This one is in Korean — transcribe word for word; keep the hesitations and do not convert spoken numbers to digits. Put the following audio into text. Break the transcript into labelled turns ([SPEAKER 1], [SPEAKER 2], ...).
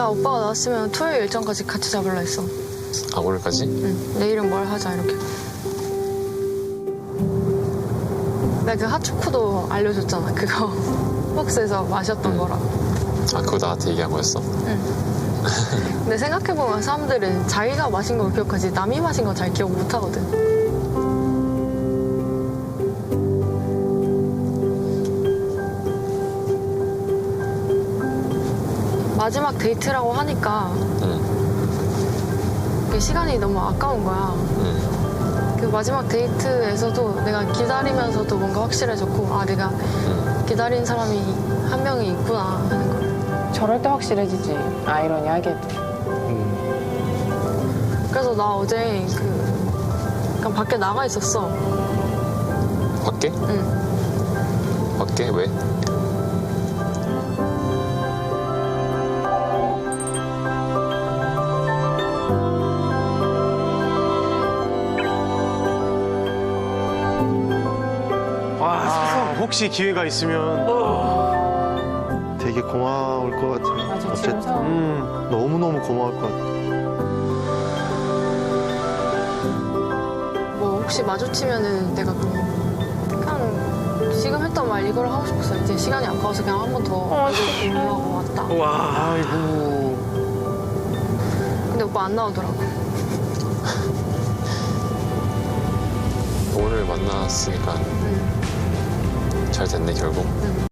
[SPEAKER 1] 오빠가 나왔으면 토요일 일정까지 같이 잡으려 했어.
[SPEAKER 2] 아, 오늘까지?
[SPEAKER 1] 응. 내일은 뭘 하자 이렇게. 내가 그 핫초코도 알려줬잖아. 그거 박스에서 마셨던
[SPEAKER 2] 응.
[SPEAKER 1] 거라.
[SPEAKER 2] 아, 그거 나한테 얘기한 거였어?
[SPEAKER 1] 응. 근데 생각해보면 사람들은 자기가 마신 걸 기억하지 남이 마신 거 잘 기억 못 하거든. 마지막 데이트라고 하니까
[SPEAKER 2] 응.
[SPEAKER 1] 그 시간이 너무 아까운 거야.
[SPEAKER 2] 응.
[SPEAKER 1] 그 마지막 데이트에서도 내가 기다리면서도 뭔가 확실해졌고, 아, 내가
[SPEAKER 2] 응.
[SPEAKER 1] 기다린 사람이 한 명이 있구나 하는 걸.
[SPEAKER 3] 저럴 때 확실해지지. 아이러니하게도.
[SPEAKER 1] 그래서 나 어제 그 그냥 밖에 나가 있었어.
[SPEAKER 2] 밖에?
[SPEAKER 1] 응.
[SPEAKER 2] 밖에? 왜?
[SPEAKER 4] 아, 혹시 기회가 있으면
[SPEAKER 5] 되게 고마울 것 같아요.
[SPEAKER 3] 맞아, 지금
[SPEAKER 5] 어쨌든
[SPEAKER 3] 상황.
[SPEAKER 5] 음, 너무너무 고마울 것 같아요.
[SPEAKER 1] 뭐 혹시 마주치면은 내가 그냥 그냥 지금 했던 말 이걸 하고 싶었어. 이제 시간이 아까워서 그냥 한 번 더 올라가고 왔다.
[SPEAKER 4] 와, 아이고.
[SPEAKER 1] 근데 오빠 안 나오더라고.
[SPEAKER 2] 오늘 만났으니까
[SPEAKER 1] 응.
[SPEAKER 2] 잘 됐네, 결국.
[SPEAKER 1] 응.